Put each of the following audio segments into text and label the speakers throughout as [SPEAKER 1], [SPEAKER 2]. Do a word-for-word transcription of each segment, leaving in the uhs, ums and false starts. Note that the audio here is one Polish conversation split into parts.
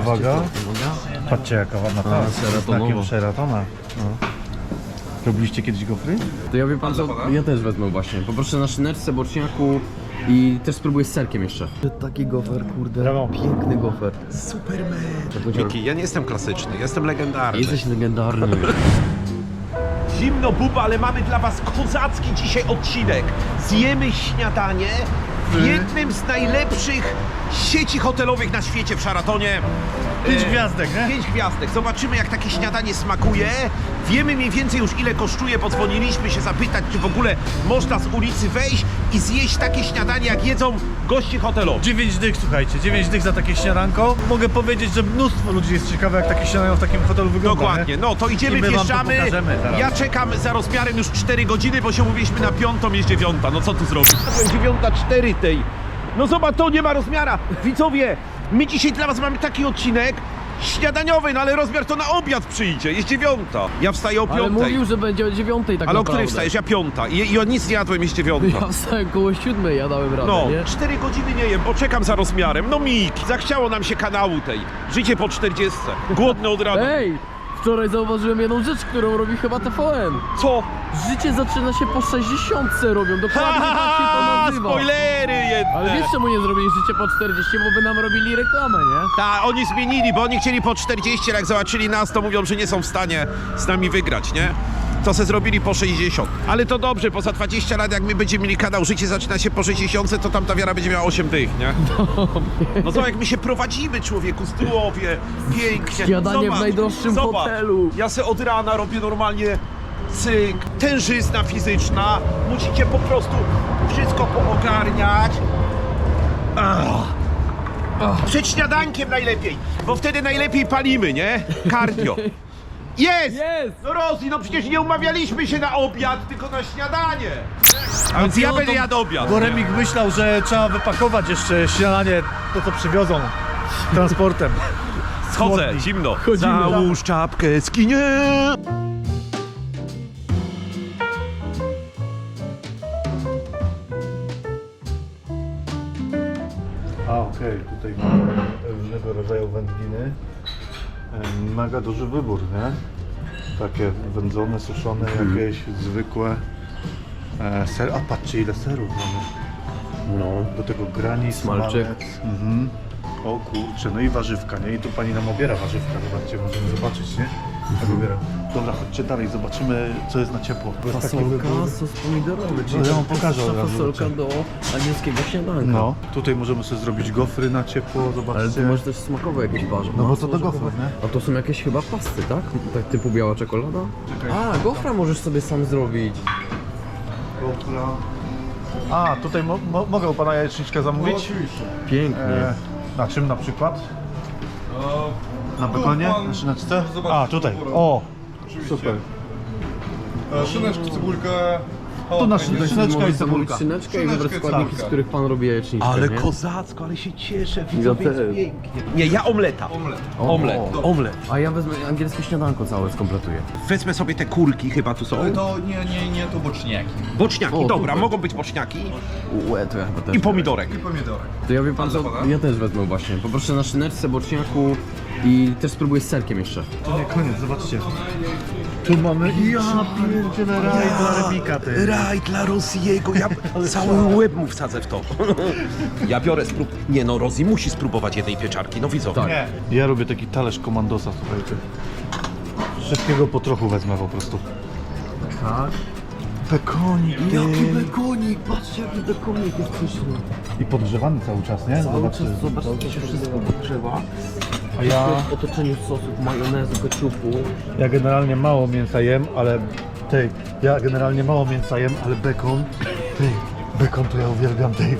[SPEAKER 1] Uwaga. Patrzcie jaka ładna ta. Znakiem Sheratona. No. Robiliście kiedyś gofry?
[SPEAKER 2] To ja wie pan co, ja też wezmę właśnie. Poproszę na szyneczce, boczniaku i też spróbuję z serkiem jeszcze. Taki gofer, kurde.
[SPEAKER 1] Brawo.
[SPEAKER 2] Piękny gofer.
[SPEAKER 3] Superman. Miki, ja nie jestem klasyczny, jestem legendarny.
[SPEAKER 2] Jesteś legendarny.
[SPEAKER 3] Zimno buba, ale mamy dla was kozacki dzisiaj odcinek. Zjemy śniadanie w jednym z najlepszych sieci hotelowych na świecie w Sheratonie.
[SPEAKER 1] Pięć
[SPEAKER 3] E,
[SPEAKER 1] gwiazdek, nie?
[SPEAKER 3] Pięć gwiazdek. Zobaczymy jak takie śniadanie smakuje. Wiemy mniej więcej już ile kosztuje. Podzwoniliśmy się zapytać, czy w ogóle można z ulicy wejść i zjeść takie śniadanie jak jedzą goście hotelowi.
[SPEAKER 1] dziewięć dych, słuchajcie, dziewięć dych za takie śniadanko. Mogę powiedzieć, że mnóstwo ludzi jest ciekawe jak takie śniadanie w takim hotelu wygląda.
[SPEAKER 3] Dokładnie,
[SPEAKER 1] nie?
[SPEAKER 3] no to idziemy,
[SPEAKER 1] I my wam to
[SPEAKER 3] wjeżdżamy.
[SPEAKER 1] pokażemy zaraz.
[SPEAKER 3] Ja czekam za rozmiarem już cztery godziny, bo się umówiliśmy na piątą, jest dziewiąta. No co tu zrobić? Dziewiąta cztery tej. No zobacz, to nie ma rozmiara. Widzowie, my dzisiaj dla was mamy taki odcinek śniadaniowy, no ale rozmiar to na obiad przyjdzie, jest dziewiąta. Ja wstaję o
[SPEAKER 2] Ale
[SPEAKER 3] piątej.
[SPEAKER 2] mówił, że będzie o dziewiątej tak
[SPEAKER 3] Ale o
[SPEAKER 2] naprawdę.
[SPEAKER 3] której wstajesz? Ja piąta. I, i ja nic nie jadłem, jest dziewiąta.
[SPEAKER 2] Ja wstałem koło siódmej, ja dałem radę,
[SPEAKER 3] No,
[SPEAKER 2] nie?
[SPEAKER 3] cztery godziny nie jem, bo czekam za rozmiarem. No Miki, zachciało nam się kanału tej. Życie po czterdziestce. Głodny od rana.
[SPEAKER 2] Ej! Wczoraj zauważyłem jedną rzecz, którą robi chyba T V N.
[SPEAKER 3] Co?
[SPEAKER 2] Życie zaczyna się po sześćdziesiątce robią, dokładnie tak się to nazywa.
[SPEAKER 3] Spoilery jedne.
[SPEAKER 2] Ale wiesz czemu nie zrobili życie po czterdzieści, bo by nam robili reklamę, nie?
[SPEAKER 3] Ta, oni zmienili, bo oni chcieli po czterdzieści, jak zobaczyli nas, to mówią, że nie są w stanie z nami wygrać, nie? To se zrobili po sześćdziesiąt. Ale to dobrze, bo za dwadzieścia lat, jak my będziemy mieli kanał Życie zaczyna się po sześćdziesiątce, to tam ta wiara będzie miała osiem dych, nie? No to jak my się prowadzimy, człowieku, zdrowie, pięknie.
[SPEAKER 2] Śniadanie w najdroższym
[SPEAKER 3] zobacz.
[SPEAKER 2] hotelu.
[SPEAKER 3] Ja se od rana robię normalnie cyk, tężyzna fizyczna. Musicie po prostu wszystko poogarniać. Ach. Przed śniadankiem najlepiej, bo wtedy najlepiej palimy, nie? Cardio. Jest!
[SPEAKER 2] Jest!
[SPEAKER 3] No Rosji, no przecież nie umawialiśmy się na obiad, tylko na śniadanie. A więc ja będę jadł obiad.
[SPEAKER 1] Bo Remik myślał, że trzeba wypakować jeszcze śniadanie, to co przywiozą transportem.
[SPEAKER 3] Schodzę,
[SPEAKER 1] Chłodni.
[SPEAKER 3] zimno.
[SPEAKER 2] Chodzimy.
[SPEAKER 3] Załóż czapkę, skinie.
[SPEAKER 1] A okej, tutaj mamy różnego rodzaju wędliny. E, Mega duży wybór, nie? Takie wędzone, suszone, jakieś zwykłe. E, ser, a patrzcie ile serów mamy.
[SPEAKER 2] No.
[SPEAKER 1] Do tego grani,
[SPEAKER 2] Smalczyk.
[SPEAKER 1] smalec. Mhm. O kurczę, no i warzywka, nie? I tu pani nam obiera warzywka, zobaczcie, możemy zobaczyć, nie? Jak obiera. Dobra, chodźcie dalej, zobaczymy co jest na ciepło. Bo jest taki
[SPEAKER 2] Fasolka,
[SPEAKER 1] wybór.
[SPEAKER 2] sos pomidorowy, czyli
[SPEAKER 1] No, ja wam
[SPEAKER 2] taka
[SPEAKER 1] pokażę od razu,
[SPEAKER 2] fasolka
[SPEAKER 1] zobaczę.
[SPEAKER 2] do angielskiego śniadanka.
[SPEAKER 1] No, tutaj możemy sobie zrobić gofry na ciepło, zobaczcie.
[SPEAKER 2] Ale tu masz też smakowe jakieś warzywa.
[SPEAKER 1] No bo
[SPEAKER 2] Masło
[SPEAKER 1] to do gofrów,
[SPEAKER 2] orzechowe.
[SPEAKER 1] nie?
[SPEAKER 2] A to są jakieś chyba pasty, tak? Tak typu biała czekolada? A, gofra możesz sobie sam zrobić.
[SPEAKER 1] Gofra. A, tutaj mo mo mogę u pana jajeczniczkę zamówić?
[SPEAKER 4] oczywiście.
[SPEAKER 2] Pięknie.
[SPEAKER 1] E, na czym na przykład? Na bekonie? Na szyneczce? A, tutaj. O, super.
[SPEAKER 4] E, Szyneczkę, cebulkę.
[SPEAKER 1] Tu na
[SPEAKER 4] jalapeno.
[SPEAKER 1] szyneczkę. Szyneczka
[SPEAKER 2] Możesz
[SPEAKER 1] i cebulka.
[SPEAKER 2] zamówić szyneczkę i
[SPEAKER 4] Szyneczkę,
[SPEAKER 2] wybrać składniki, z
[SPEAKER 4] cebulka.
[SPEAKER 2] których pan robi jajecznicę,
[SPEAKER 3] Ale
[SPEAKER 2] nie?
[SPEAKER 3] kozacko, ale się cieszę,
[SPEAKER 2] Ja
[SPEAKER 3] widzowie, jest
[SPEAKER 2] też.
[SPEAKER 3] pięknie. Nie, ja omleta.
[SPEAKER 4] Omlet.
[SPEAKER 2] O,
[SPEAKER 3] Omlet,
[SPEAKER 2] o.
[SPEAKER 3] omlet.
[SPEAKER 2] A ja wezmę angielskie śniadanko całe, skompletuję.
[SPEAKER 3] Wezmę sobie te kurki, chyba tu są.
[SPEAKER 4] Ale to nie, nie, nie, to boczniaki.
[SPEAKER 3] Boczniaki,
[SPEAKER 2] O,
[SPEAKER 3] dobra,
[SPEAKER 2] super.
[SPEAKER 3] mogą być boczniaki
[SPEAKER 2] Łe, to ja chyba też.
[SPEAKER 3] i pomidorek.
[SPEAKER 4] I pomidorek.
[SPEAKER 2] To ja wie pan co,
[SPEAKER 4] Pana?
[SPEAKER 2] ja też wezmę właśnie. Poproszę na szyneczce, boczniaku i też spróbuję z serkiem jeszcze.
[SPEAKER 1] To nie koniec, zobaczcie. Tu mamy, ja pierdzielę raj dla Remika, ty.
[SPEAKER 3] Raj dla Rosiego, ja cały łeb mu wsadzę w to. Ja biorę sprób... Nie no, Rosji musi spróbować jednej pieczarki, no widzowie.
[SPEAKER 2] Tak.
[SPEAKER 1] Nie. Ja robię taki talerz komandosa, słuchajcie. Wszystkiego po trochu wezmę po prostu.
[SPEAKER 2] Tak.
[SPEAKER 1] Bekonik, ty.
[SPEAKER 2] Jaki bekonik, patrzcie jaki bekonik jest pyszny.
[SPEAKER 1] I podgrzewany cały czas, nie?
[SPEAKER 2] Cały
[SPEAKER 1] Zobaczcie.
[SPEAKER 2] czas zobacz, to się wszystko podgrzewa.
[SPEAKER 1] A ja,
[SPEAKER 2] W otoczeniu sosów, majonezu, keczupu.
[SPEAKER 1] ja generalnie mało mięsa jem, ale... Ty, ja generalnie mało mięsa jem, ale bekon... Ty, bekon to ja uwielbiam, ty.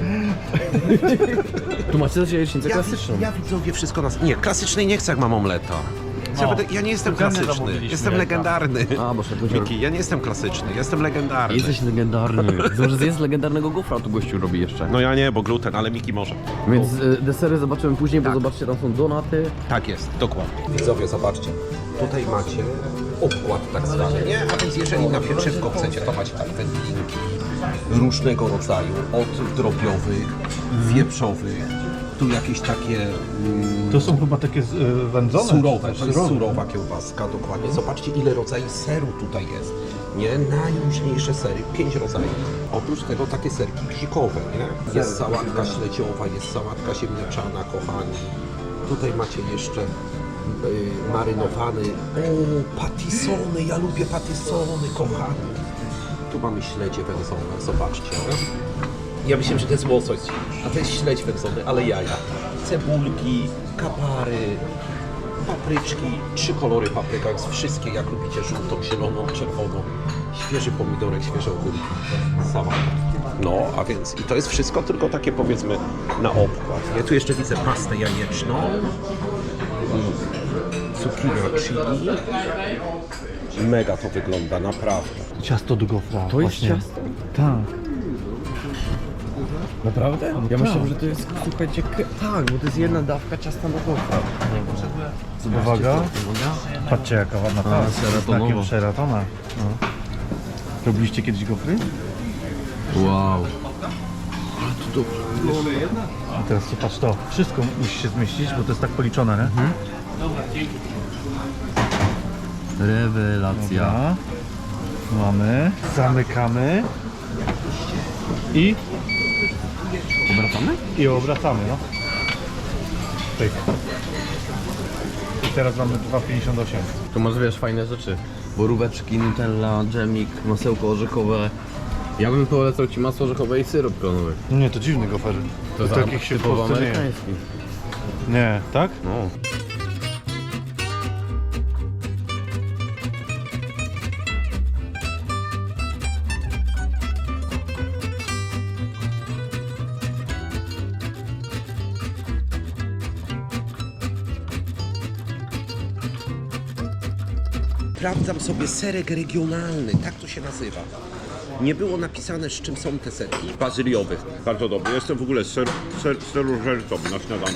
[SPEAKER 2] Tu macie też jajecznicę
[SPEAKER 3] Ja,
[SPEAKER 2] klasyczną.
[SPEAKER 3] ja widzowie wszystko nas... Nie, klasycznej nie chcę jak mam omleta. Ja,
[SPEAKER 1] No.
[SPEAKER 3] będę, ja nie jestem
[SPEAKER 1] Codziennie
[SPEAKER 3] klasyczny,
[SPEAKER 1] zamówiliśmy,
[SPEAKER 3] jestem
[SPEAKER 1] tak.
[SPEAKER 3] legendarny.
[SPEAKER 2] A, bo szedł
[SPEAKER 3] Miki, ja nie jestem klasyczny, jestem legendarny.
[SPEAKER 2] Jesteś legendarny. Może zjedz legendarnego gofra, tu gościu robi jeszcze.
[SPEAKER 3] No ja nie, bo gluten, ale Miki może.
[SPEAKER 2] Więc y, desery zobaczymy później, bo
[SPEAKER 3] Tak.
[SPEAKER 2] zobaczcie, tam są donaty.
[SPEAKER 3] Tak jest, dokładnie. Widzowie, zobaczcie. Tutaj macie obkład tak zwany, nie? A więc jeżeli na pieczywko chcecie, to macie tak wędlinki różnego rodzaju, od drobiowych, wieprzowych, Tu jakieś takie mm,
[SPEAKER 1] To są chyba takie y, wędzone?
[SPEAKER 3] surowe,
[SPEAKER 1] czy
[SPEAKER 3] to jest surowa kiełbaska, dokładnie. Zobaczcie, ile rodzajów seru tutaj jest. Nie, najróżniejsze sery, pięć rodzajów. Oprócz tego takie serki bzikowe, nie? Jest sałatka śledziowa, jest sałatka ziemniaczana, kochani. Tutaj macie jeszcze y, marynowany, o, patisony, ja lubię patisony, kochani. Tu mamy śledzie wędzone, zobaczcie. Nie? Ja myślałem, że to jest łosoś, a to jest śledź wędzony, ale jaja. Cebulki, kapary, papryczki, trzy kolory papryka, jest wszystkie jak lubicie, żółtą, zieloną, czerwoną, świeży pomidorek, świeże ogórki, sałata. No, a więc i to jest wszystko tylko takie powiedzmy na obkład. Ja tu jeszcze widzę pastę jajeczną, cukinia chili. Mega to wygląda, naprawdę.
[SPEAKER 1] Ciasto do gofra.
[SPEAKER 2] To jest
[SPEAKER 1] właśnie.
[SPEAKER 2] ciasto?
[SPEAKER 1] Tak.
[SPEAKER 2] Naprawdę? Ja
[SPEAKER 1] tak.
[SPEAKER 2] myślałem, że to jest, słuchajcie, k- tak, bo to jest jedna dawka ciasta na gofra.
[SPEAKER 1] Uwaga. Patrzcie jaka ładna ta.
[SPEAKER 2] seratonowa.
[SPEAKER 1] Takim seratona. No. Robiliście kiedyś gofry?
[SPEAKER 2] Wow.
[SPEAKER 1] A teraz to patrz to. Wszystko musi się zmieścić, bo to jest tak policzone, nie?
[SPEAKER 2] Mhm. Rewelacja.
[SPEAKER 1] Dobra. Mamy. Zamykamy. I,
[SPEAKER 2] Obracamy?
[SPEAKER 1] i obracamy, no. Pyk. I teraz mamy dwa pięćdziesiąt osiem.
[SPEAKER 2] Tu masz, wiesz, fajne rzeczy. Boróweczki, nutella, dżemik, masełko orzechowe. Ja bym polecał ci masło orzechowe i syrop klonowy.
[SPEAKER 1] Nie, to dziwny gofer.
[SPEAKER 2] To
[SPEAKER 1] To takich się w
[SPEAKER 2] typowo
[SPEAKER 1] Polsce nie je.
[SPEAKER 2] amerykański.
[SPEAKER 1] Nie, tak?
[SPEAKER 2] No.
[SPEAKER 3] Sprawdzam sobie serek regionalny, tak to się nazywa. Nie było napisane, z czym są te serki. Bazyliowych. Bardzo dobry. Jestem w ogóle ser, ser, serożercą na śniadaniu.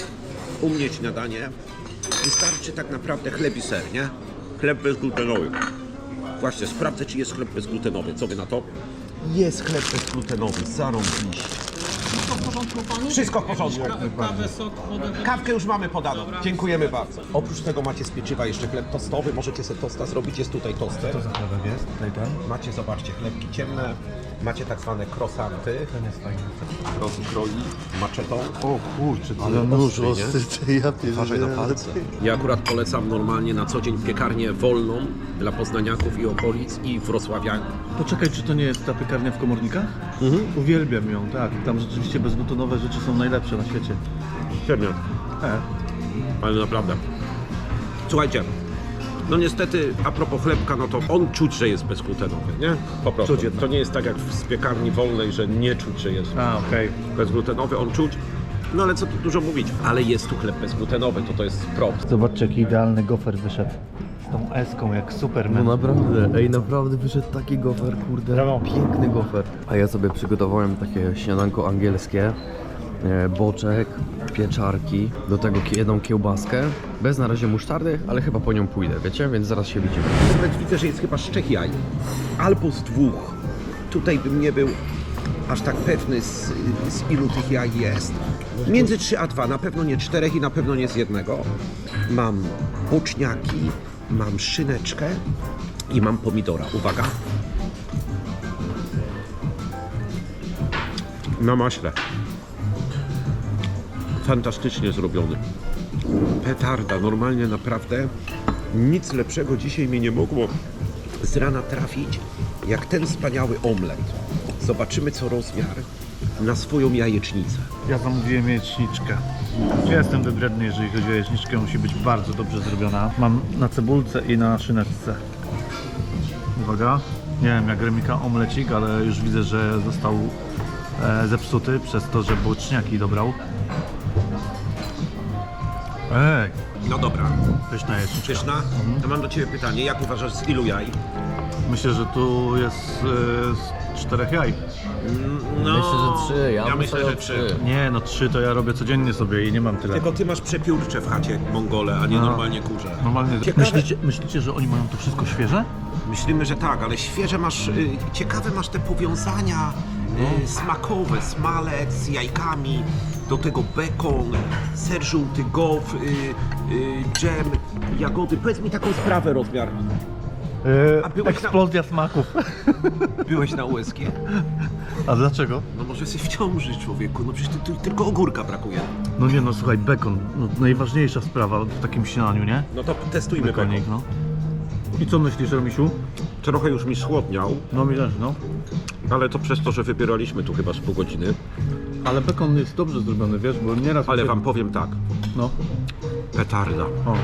[SPEAKER 3] U mnie śniadanie wystarczy tak naprawdę chleb i ser, nie? Chleb bezglutenowy. Właśnie, sprawdzę, czy jest chleb bezglutenowy. Co wy na to? Jest chleb bezglutenowy, zarąbiście. Wszystko w porządku. Kawkę już mamy podaną. Dziękujemy bardzo. Oprócz tego macie z pieczywa jeszcze chleb tostowy. Możecie sobie tosta zrobić. Jest tutaj toster.
[SPEAKER 1] Co za chlebek jest? Tutaj ten?
[SPEAKER 3] Macie, zobaczcie, chlebki ciemne. Macie tak zwane croissanty.
[SPEAKER 1] Ten jest fajny.
[SPEAKER 3] Rozkroi maczetą.
[SPEAKER 1] O kurczę,
[SPEAKER 3] Ale nóż ostry,
[SPEAKER 1] ja
[SPEAKER 3] Uważaj na palce. Ja akurat polecam normalnie na co dzień piekarnię wolną dla poznaniaków i okolic i wrocławian.
[SPEAKER 1] Poczekaj, czy to nie jest ta piekarnia w Komornikach?
[SPEAKER 3] Mhm.
[SPEAKER 1] Uwielbiam ją, tak. Tam rzeczywiście bezglutonowe rzeczy są najlepsze na świecie.
[SPEAKER 3] Pewnie.
[SPEAKER 1] E.
[SPEAKER 3] Ale naprawdę. Słuchajcie, no niestety a propos chlebka, no to on czuć, że jest bezglutenowy, nie? Po prostu.
[SPEAKER 1] Czuć jednak.
[SPEAKER 3] To nie jest tak jak z piekarni wolnej, że nie czuć, że jest
[SPEAKER 1] A, okej.
[SPEAKER 3] bezglutenowy, on czuć. No ale co tu dużo mówić, ale jest tu chleb bezglutenowy, to to jest prop.
[SPEAKER 1] Zobaczcie, jaki idealny gofer wyszedł. Z tą eską, jak
[SPEAKER 2] No
[SPEAKER 1] Superman.
[SPEAKER 2] naprawdę, ej, naprawdę wyszedł taki gofer, kurde,
[SPEAKER 1] Brawo.
[SPEAKER 2] piękny gofer. A ja sobie przygotowałem takie śniadanko angielskie, e, boczek, pieczarki, do tego ki- jedną kiełbaskę, bez na razie musztardy, ale chyba po nią pójdę, wiecie, więc zaraz się widzimy.
[SPEAKER 3] Nawet widzę, że jest chyba z trzech jaj, albo z dwóch. Tutaj bym nie był aż tak pewny, z, z ilu tych jaj jest. Między trzy a dwa, na pewno nie czterech i na pewno nie z jednego. Mam boczniaki, mam szyneczkę i mam pomidora. Uwaga. Na maśle. Fantastycznie zrobiony. Petarda, normalnie naprawdę nic lepszego dzisiaj mi nie mogło z rana trafić, jak ten wspaniały omlet. Zobaczymy co rozmiar na swoją jajecznicę.
[SPEAKER 1] Ja zamówiłem jajeczniczkę. Ja jestem wybredny, jeżeli chodzi o jajeczniczkę, musi być bardzo dobrze zrobiona. Mam na cebulce i na szyneczce. Uwaga. Nie wiem jak Remika omlecik, ale już widzę, że został e, zepsuty przez to, że boczniaki dobrał. Ej,
[SPEAKER 3] No dobra,
[SPEAKER 1] pyszna jajeczniczka.
[SPEAKER 3] pyszna. To mam do Ciebie pytanie, jak uważasz z ilu jaj?
[SPEAKER 1] Myślę, że tu jest e, z czterech jaj.
[SPEAKER 3] No,
[SPEAKER 2] Myślę, że trzy, ja
[SPEAKER 3] ja
[SPEAKER 2] bym
[SPEAKER 3] myślę, że
[SPEAKER 2] stawiał
[SPEAKER 3] trzy.
[SPEAKER 2] trzy.
[SPEAKER 1] Nie, no trzy to ja robię codziennie sobie i nie mam tyle.
[SPEAKER 3] Tylko Ty masz przepiórcze w chacie, Mongole, a nie
[SPEAKER 1] No.
[SPEAKER 3] normalnie kurze.
[SPEAKER 1] Normalnie.
[SPEAKER 3] Ciekawe-
[SPEAKER 1] Myślicie, myślicie, że oni mają to wszystko świeże?
[SPEAKER 3] Myślimy, że tak, ale świeże masz, y, ciekawe masz te powiązania y, smakowe, smalec z jajkami. do tego bekon, ser żółty, gof, y, y, dżem, jagody. Powiedz mi taką sprawę, rozmiar.
[SPEAKER 1] Yy,
[SPEAKER 3] A byłeś na-
[SPEAKER 1] eksplozja smaków.
[SPEAKER 3] Byłeś na U S G?
[SPEAKER 1] A dlaczego?
[SPEAKER 3] No może jesteś w ciąży, człowieku, no przecież tu, tu tylko ogórka brakuje.
[SPEAKER 1] No nie no, słuchaj, bekon, no, najważniejsza sprawa w takim śniadaniu, nie?
[SPEAKER 3] No to testujmy
[SPEAKER 1] Bekonik,
[SPEAKER 3] bekon.
[SPEAKER 1] no. I co myślisz, Romisiu?
[SPEAKER 3] Trochę już mi schłodniał,
[SPEAKER 1] No mi też, no.
[SPEAKER 3] ale to przez to, że wybieraliśmy tu chyba z pół godziny.
[SPEAKER 1] Ale bekon jest dobrze zrobiony, wiesz, bo nieraz...
[SPEAKER 3] Ale
[SPEAKER 1] mi się-
[SPEAKER 3] wam powiem tak,
[SPEAKER 1] No,
[SPEAKER 3] petarda,
[SPEAKER 1] o.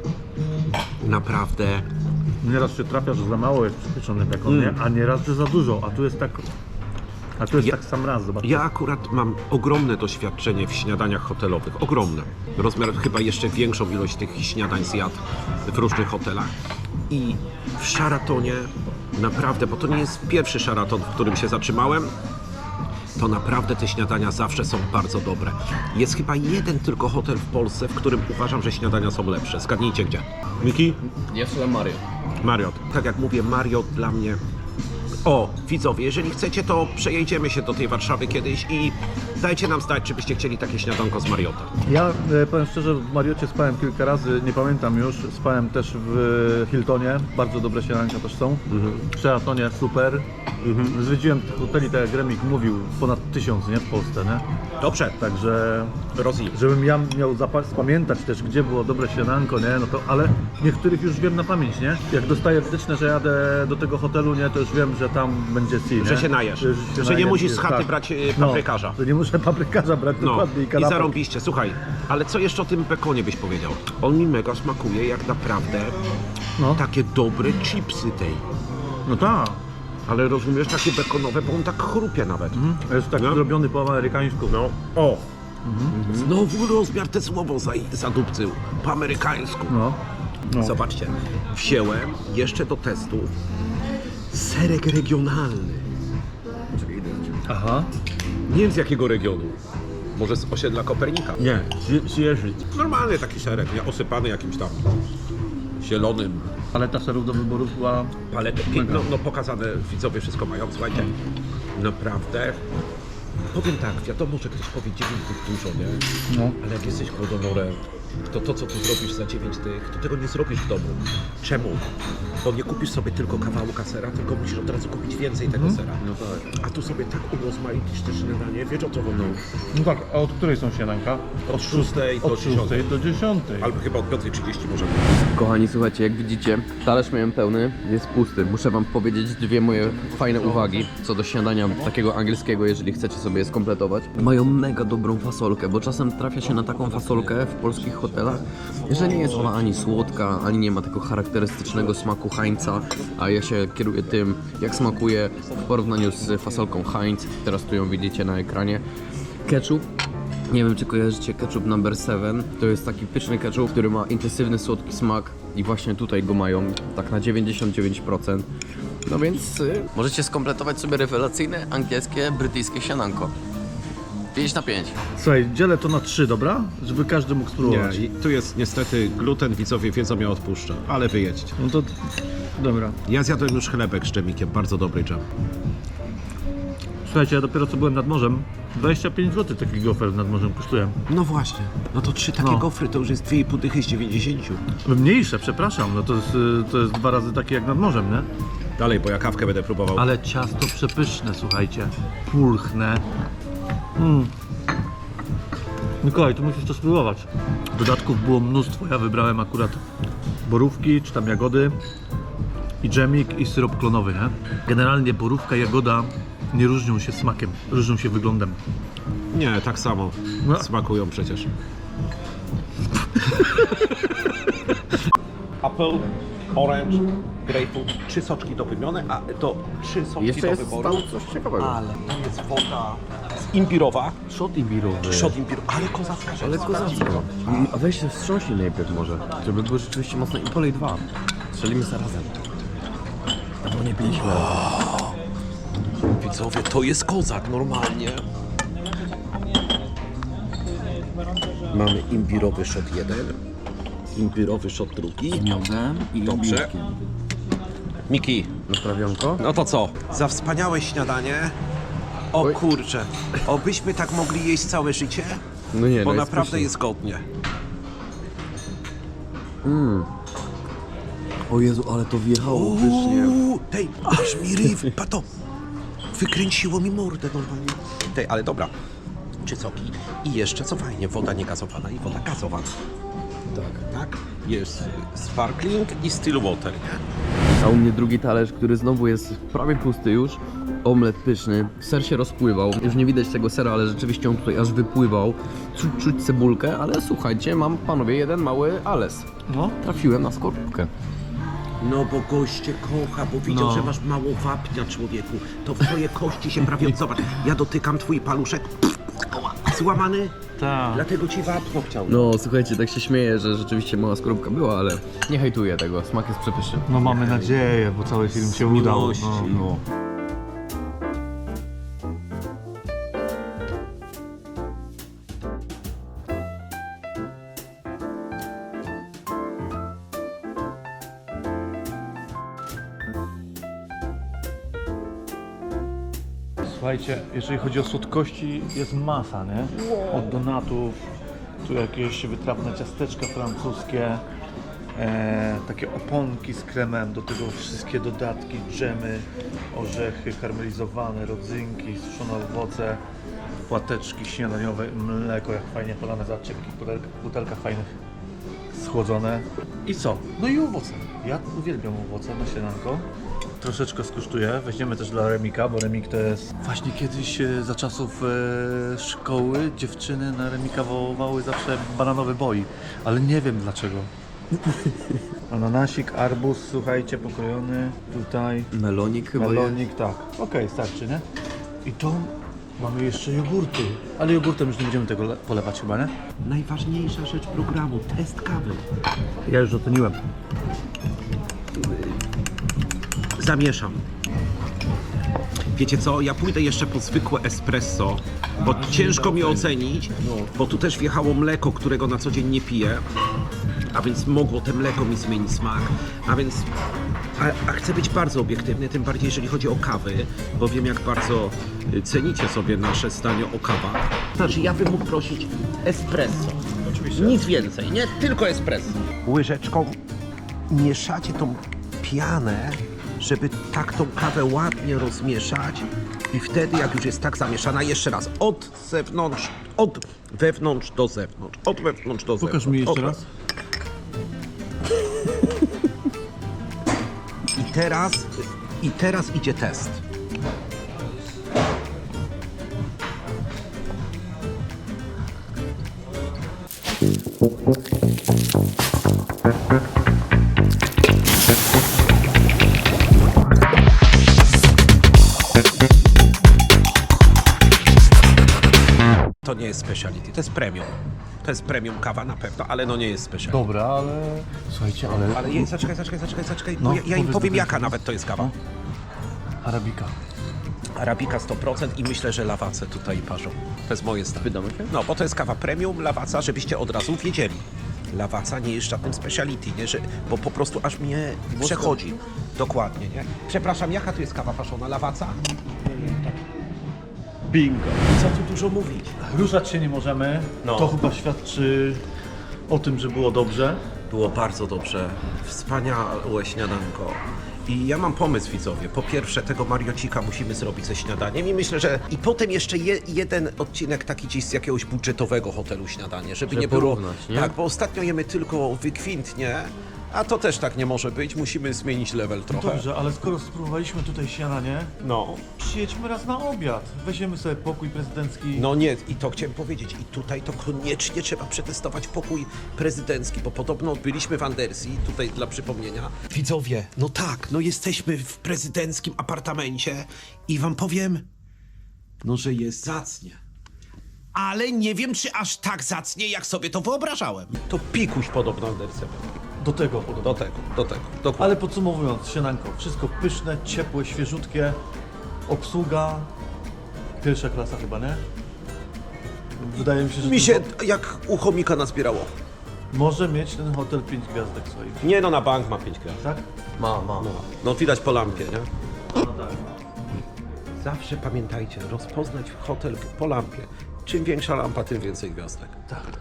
[SPEAKER 3] naprawdę.
[SPEAKER 1] Nieraz się trafia, że za mało jest przypieczony bekon,
[SPEAKER 3] Mm.
[SPEAKER 1] nie? A nieraz, że za dużo, a tu jest tak... A tu jest
[SPEAKER 3] Ja-
[SPEAKER 1] tak sam raz, zobacz.
[SPEAKER 3] Ja akurat mam ogromne doświadczenie w śniadaniach hotelowych, ogromne. Rozmiar chyba jeszcze większą ilość tych śniadań zjadł w różnych hotelach. I w Sharatonie naprawdę, bo to nie jest pierwszy Sheraton, w którym się zatrzymałem, to naprawdę te śniadania zawsze są bardzo dobre. Jest chyba jeden tylko hotel w Polsce, w którym uważam, że śniadania są lepsze. Zgadnijcie gdzie. Miki?
[SPEAKER 2] Jest Le Mario.
[SPEAKER 3] Marriott. Tak jak mówię, Marriott dla mnie... O, widzowie, jeżeli chcecie, to przejedziemy się do tej Warszawy kiedyś i dajcie nam znać, czy byście chcieli takie śniadanko z Marriotta.
[SPEAKER 1] Ja e, powiem szczerze, w Mariocie spałem kilka razy, nie pamiętam już. Spałem też w Hiltonie, bardzo dobre śniadanka też są. W Sheratonie super. Zwiedziłem tych hoteli, tak jak Remik mówił, ponad tysiąc, nie? W Polsce, nie?
[SPEAKER 3] Dobrze,
[SPEAKER 1] Także,
[SPEAKER 3] Rozi.
[SPEAKER 1] żebym ja miał zapa- spamiętać też, gdzie było dobre śniadanko, nie? No to, ale niektórych już wiem na pamięć, nie? Jak dostaję wytyczne, że jadę do tego hotelu, nie? To już wiem, że tam będzie C, nie?
[SPEAKER 3] Że się najesz.
[SPEAKER 1] się
[SPEAKER 3] Że nie
[SPEAKER 1] najem,
[SPEAKER 3] musisz z
[SPEAKER 1] jest-
[SPEAKER 3] chaty
[SPEAKER 1] tak.
[SPEAKER 3] brać, e,
[SPEAKER 1] No,
[SPEAKER 3] paprykarza.
[SPEAKER 1] że nie muszę paprykarza brać
[SPEAKER 3] No
[SPEAKER 1] dokładnie i
[SPEAKER 3] i
[SPEAKER 1] kanapek.
[SPEAKER 3] zarąbiście. Słuchaj, ale co jeszcze o tym bekonie byś powiedział? On mi mega smakuje jak naprawdę
[SPEAKER 1] No,
[SPEAKER 3] takie dobre chipsy tej.
[SPEAKER 1] no tak.
[SPEAKER 3] Ale rozumiesz, takie bekonowe, bo on tak chrupie nawet.
[SPEAKER 1] Jest tak
[SPEAKER 3] No.
[SPEAKER 1] zrobiony po amerykańsku.
[SPEAKER 3] No, o! Znowu rozmiar te słowo za, zadupcył, po amerykańsku.
[SPEAKER 1] No. no.
[SPEAKER 3] Zobaczcie, wziąłem jeszcze do testu serek regionalny.
[SPEAKER 1] Aha.
[SPEAKER 3] Nie wiem z jakiego regionu. Może z osiedla Kopernika.
[SPEAKER 1] Nie, zjeżdżyć.
[SPEAKER 3] Normalny taki serek, nie? Osypany jakimś tam zielonym
[SPEAKER 1] Paleta serów do wyboru była...
[SPEAKER 3] paletą. No, no pokazane, widzowie wszystko mają, słuchajcie. Naprawdę. Powiem tak, wiadomo, że ktoś powie dziewięć tych dużo, nie?
[SPEAKER 1] No.
[SPEAKER 3] Ale jak jesteś głodonorem, to to, co tu zrobisz za dziewięć tych, to tego nie zrobisz w domu. Czemu? Bo nie kupisz sobie tylko kawałka sera, tylko musisz od razu kupić więcej tego sera.
[SPEAKER 2] No tak.
[SPEAKER 3] A tu sobie tak urozmaicisz te śniadanie, wiesz o co chodzi?
[SPEAKER 1] No tak, a od której są śniadanka?
[SPEAKER 3] Od szóstej do
[SPEAKER 1] Od szóstej do dziesiątej.
[SPEAKER 3] Albo chyba od piątej trzydzieści może.
[SPEAKER 2] Kochani, słuchajcie, jak widzicie, talerz miałem pełny, jest pusty. Muszę wam powiedzieć dwie moje fajne uwagi co do śniadania takiego angielskiego, jeżeli chcecie sobie je skompletować. Mają mega dobrą fasolkę, bo czasem trafia się na taką fasolkę w polskich hotelach, że nie jest ona ani słodka, ani nie ma tego charakterystycznego smaku Heinza, a ja się kieruję tym, jak smakuje w porównaniu z fasolką Heinz. Teraz tu ją widzicie na ekranie. Ketchup. Nie wiem, czy kojarzycie ketchup number seven. To jest taki pyszny ketchup, który ma intensywny, słodki smak i właśnie tutaj go mają tak na dziewięćdziesiąt dziewięć procent. No więc y, możecie skompletować sobie rewelacyjne, angielskie, brytyjskie śniadanko. pięć na pięć.
[SPEAKER 1] Słuchaj, dzielę to na trzy, dobra? Żeby każdy mógł spróbować.
[SPEAKER 3] Nie, i tu jest niestety gluten, widzowie wiedzą, ja odpuszczę, ale wyjedźcie.
[SPEAKER 1] No to... Dobra.
[SPEAKER 3] Ja zjadłem już chlebek z dżemikiem, bardzo dobry dżem.
[SPEAKER 1] Słuchajcie, ja dopiero co byłem nad morzem. dwadzieścia pięć złotych taki gofer nad morzem kosztuje.
[SPEAKER 3] No właśnie, no to trzy takie
[SPEAKER 1] No.
[SPEAKER 3] gofry to już jest dwie i pół dychy z dziewięćdziesięciu.
[SPEAKER 1] Mniejsze, przepraszam, no to jest, y, to jest dwa razy takie jak nad morzem, nie?
[SPEAKER 3] Dalej, bo ja kawkę będę próbował.
[SPEAKER 1] Ale ciasto przepyszne, słuchajcie. Pulchne. Mm. Mikołaj, tu musisz to spróbować. Dodatków było mnóstwo. Ja wybrałem akurat borówki, czy tam jagody i dżemik i syrop klonowy, nie? Generalnie borówka, jagoda nie różnią się smakiem, różnią się wyglądem.
[SPEAKER 3] Nie, tak samo
[SPEAKER 1] No.
[SPEAKER 3] smakują przecież. Apple, orange, grapefruit, trzy soczki do wymiany, a to trzy soczki
[SPEAKER 2] Jeszcze
[SPEAKER 3] do
[SPEAKER 2] jest
[SPEAKER 3] wyboru.
[SPEAKER 2] tam coś ciekawego.
[SPEAKER 3] Ale tam jest woda z imbirowa,
[SPEAKER 2] Shot imbirowy.
[SPEAKER 3] szot imbiru, ale kozacka rzecz.
[SPEAKER 2] Ale kozacko. A weź się wstrząśnij najpierw może, żeby było rzeczywiście mocno i polej dwa. Strzelimy zarazem. Bo nie piliśmy.
[SPEAKER 3] Widzowie, to jest kozak normalnie. Mamy imbirowy shot jeden, imbirowy shot drugi.
[SPEAKER 2] Miodem i
[SPEAKER 3] Dobrze. Miki,
[SPEAKER 2] Naprawionko?
[SPEAKER 3] no to co? Za wspaniałe śniadanie. O
[SPEAKER 2] Oj.
[SPEAKER 3] kurczę, obyśmy tak mogli jeść całe życie?
[SPEAKER 2] No nie,
[SPEAKER 3] bo
[SPEAKER 2] no
[SPEAKER 3] naprawdę
[SPEAKER 2] pyszny.
[SPEAKER 3] jest godnie.
[SPEAKER 2] O Jezu, ale to wjechało pysznie.
[SPEAKER 3] Uuu, tej, aż mi ryw, pato, wykręciło mi mordę normalnie. Tej, ale dobra, czycoki i jeszcze co fajnie, woda niegazowana i woda gazowana. Tak. Tak? Jest sparkling i still water, nie?
[SPEAKER 2] A u mnie drugi talerz, który znowu jest prawie pusty już. Omlet pyszny, ser się rozpływał. Już nie widać tego sera, ale rzeczywiście on tutaj aż wypływał. Czuć, czuć cebulkę, ale słuchajcie, mam panowie jeden mały ales.
[SPEAKER 1] No.
[SPEAKER 2] Trafiłem na skorupkę.
[SPEAKER 3] No bo goście kocha, bo widział,
[SPEAKER 1] No.
[SPEAKER 3] że masz mało wapnia, człowieku. To w twoje kości się prawie... Zobacz, ja dotykam twój paluszek, złamany,
[SPEAKER 1] Tak.
[SPEAKER 3] dlatego ci wapno chciał.
[SPEAKER 2] No słuchajcie, tak się śmieję, że rzeczywiście mała skorupka była, ale nie hejtuję tego, smak jest przepyszny.
[SPEAKER 1] No mamy nadzieję, bo cały film się udał.
[SPEAKER 3] miłości.
[SPEAKER 1] No, no. Słuchajcie, jeżeli chodzi o słodkości, jest masa, nie? Od donatów, tu jakieś wytrawne ciasteczka francuskie, e, takie oponki z kremem, do tego wszystkie dodatki, dżemy, orzechy karmelizowane, rodzynki, suszone owoce, płateczki śniadaniowe, mleko jak fajnie polane, zobaczcie w jakich butelkach, butelkach fajnych schłodzone. I co? No i owoce. Ja uwielbiam owoce na śniadanko. Troszeczkę skosztuję. Weźmiemy też dla Remika, bo Remik to jest... Właśnie kiedyś e, za czasów e, szkoły dziewczyny na Remika wołały zawsze bananowy boi, ale nie wiem dlaczego. Ananasik, arbuz, słuchajcie, pokrojony. Tutaj
[SPEAKER 2] Melonik chyba
[SPEAKER 1] melonik, tak. Okej, starczy, nie? I to mamy jeszcze jogurty. Ale jogurtem już nie będziemy tego le- polewać chyba, nie?
[SPEAKER 3] Najważniejsza rzecz programu, test kawy.
[SPEAKER 1] Ja już oceniłem.
[SPEAKER 3] Zamieszam. Wiecie co, ja pójdę jeszcze po zwykłe espresso, bo ciężko mi ocenić, bo tu też wjechało mleko, którego na co dzień nie piję, a więc mogło te mleko mi zmienić smak, a więc a, a chcę być bardzo obiektywny, tym bardziej jeżeli chodzi o kawy, bo wiem jak bardzo y, cenicie sobie nasze zdanie o kawach. Znaczy ja bym mógł prosić espresso, oczywiście. Nic więcej, nie? Tylko espresso. Łyżeczką mieszacie tą pianę, żeby tak tą kawę ładnie rozmieszać i wtedy jak już jest tak zamieszana, jeszcze raz, od zewnątrz, od wewnątrz do zewnątrz, od wewnątrz do zewnątrz.
[SPEAKER 1] Pokaż mi jeszcze
[SPEAKER 3] od...
[SPEAKER 1] raz.
[SPEAKER 3] I teraz, i teraz idzie test. To nie jest speciality, to jest premium. To jest premium kawa na pewno, ale no nie jest speciality.
[SPEAKER 1] Dobra, ale... Słuchajcie, ale...
[SPEAKER 3] Ale je, zaczekaj, zaczekaj, zaczekaj, zaczekaj,
[SPEAKER 1] No,
[SPEAKER 3] bo ja, ja im
[SPEAKER 1] powiedz
[SPEAKER 3] powiem
[SPEAKER 1] do
[SPEAKER 3] jaka
[SPEAKER 1] końca.
[SPEAKER 3] nawet to jest kawa.
[SPEAKER 1] Arabika.
[SPEAKER 3] Arabika sto procent i myślę, że lawace tutaj parzą. To jest moje zdanie.
[SPEAKER 2] Wydamy się?
[SPEAKER 3] No, bo to jest kawa premium, lawaca, żebyście od razu wiedzieli. Lawaca nie jest żadnym speciality, nie? Że, bo po prostu aż mnie przechodzi. Dokładnie, nie? Przepraszam, jaka tu jest kawa paszona? Lawaca?
[SPEAKER 1] Bingo.
[SPEAKER 3] Co tu dużo mówić?
[SPEAKER 1] Ruszać się nie możemy.
[SPEAKER 3] No.
[SPEAKER 1] To chyba świadczy o tym, że było dobrze.
[SPEAKER 3] Było bardzo dobrze. Wspaniałe śniadanko. I ja mam pomysł, widzowie. Po pierwsze, tego mariocika musimy zrobić ze śniadaniem i myślę, że... I potem jeszcze je, jeden odcinek taki gdzieś z jakiegoś budżetowego hotelu śniadanie, żeby,
[SPEAKER 2] Żeby
[SPEAKER 3] nie było...
[SPEAKER 2] porównać, nie?
[SPEAKER 3] Tak, bo ostatnio jemy tylko wykwintnie, a to też tak nie może być. Musimy zmienić level trochę.
[SPEAKER 1] Dobrze, ale skoro spróbowaliśmy tutaj śniadanie,
[SPEAKER 3] No.
[SPEAKER 1] przyjedźmy raz na obiad. Weźmiemy sobie pokój prezydencki.
[SPEAKER 3] No nie, i to chciałem powiedzieć. I tutaj to koniecznie trzeba przetestować pokój prezydencki, bo podobno byliśmy w Andersji, tutaj dla przypomnienia. Widzowie, no tak, no jesteśmy w prezydenckim apartamencie i wam powiem, no że jest zacnie. Ale nie wiem, czy aż tak zacnie, jak sobie to wyobrażałem. To pikuś podobno Andersja.
[SPEAKER 1] Do tego podobno.
[SPEAKER 3] Do tego, do tego, dokładnie.
[SPEAKER 1] Ale podsumowując, śniadanko, wszystko pyszne, ciepłe, świeżutkie, obsługa, pierwsza klasa chyba, nie? Wydaje mi się, że
[SPEAKER 3] Mi się
[SPEAKER 1] tylko-
[SPEAKER 3] jak u chomika nazbierało.
[SPEAKER 1] może mieć ten hotel pięć gwiazdek swoich,
[SPEAKER 3] Nie no, na bank ma pięć gwiazd.
[SPEAKER 1] tak?
[SPEAKER 2] Ma, ma.
[SPEAKER 3] No widać po lampie, nie?
[SPEAKER 1] No tak.
[SPEAKER 3] Zawsze pamiętajcie, rozpoznać hotel po lampie. Czym większa lampa, tym więcej gwiazdek.
[SPEAKER 1] Tak.